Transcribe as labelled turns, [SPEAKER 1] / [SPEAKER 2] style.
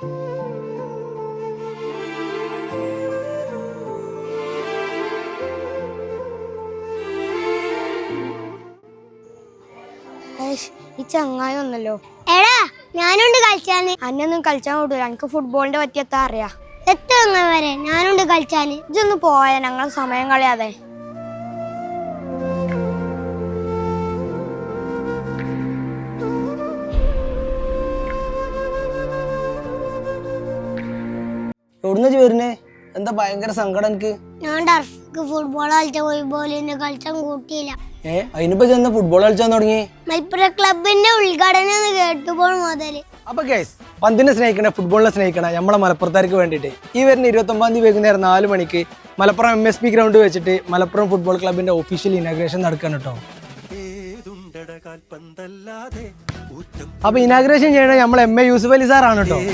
[SPEAKER 1] ഈ ചങ്ങായി ഒന്നല്ലോ.
[SPEAKER 2] എടാ ഞാനുണ്ട് കളിച്ചാന്.
[SPEAKER 1] അന്നൊന്നും കളിച്ചാൻ വിടൂല, എനിക്ക് ഫുട്ബോളിന്റെ പറ്റിയെത്താ അറിയാ.
[SPEAKER 2] എത്ര വരെ ഞാനുണ്ട് കളിച്ചാന്.
[SPEAKER 1] ഇതൊന്ന് പോയാ ഞങ്ങൾ സമയം കളയാതെ.
[SPEAKER 3] എവിടുന്ന വരുന്നേ? എന്താ ഭയങ്കര സങ്കടം എനിക്ക്?
[SPEAKER 2] ഞാൻ ടർഫിക്ക് ഫുട്ബോൾ കളിച്ച പോയി പോലെ കളിച്ചാൻ കൂട്ടിയില്ല.
[SPEAKER 3] അതിനിപ്പോ ചെന്ന് ഫുട്ബോൾ കളിച്ചാൻ തുടങ്ങി.
[SPEAKER 2] മലപ്പുറം ക്ലബിന്റെ ഉദ്ഘാടനം കേട്ടുമ്പോൾ മുതല്.
[SPEAKER 3] അപ്പൊ ഗൈസ്, പന്തിനെ സ്നേഹിക്കണ, ഫുട്ബോളിനെ സ്നേഹിക്കണ നമ്മളെ മലപ്പുറത്താർക്ക് വേണ്ടിയിട്ട് ഈ വരുന്ന 29 തീയതി വൈകുന്നേരം 4 മണിക്ക് മലപ്പുറം MSP ഗ്രൗണ്ട് വെച്ചിട്ട് മലപ്പുറം ഫുട്ബോൾ ക്ലബിന്റെ ഒഫീഷ്യൽ ഇനാഗ്രേഷൻ നടക്കണം കേട്ടോ. അപ്പൊ ഇനാഗ്രേഷൻ ചെയ്യണത് നമ്മളെ MA യൂസുഫ് അലി സാറാണ് കേട്ടോ.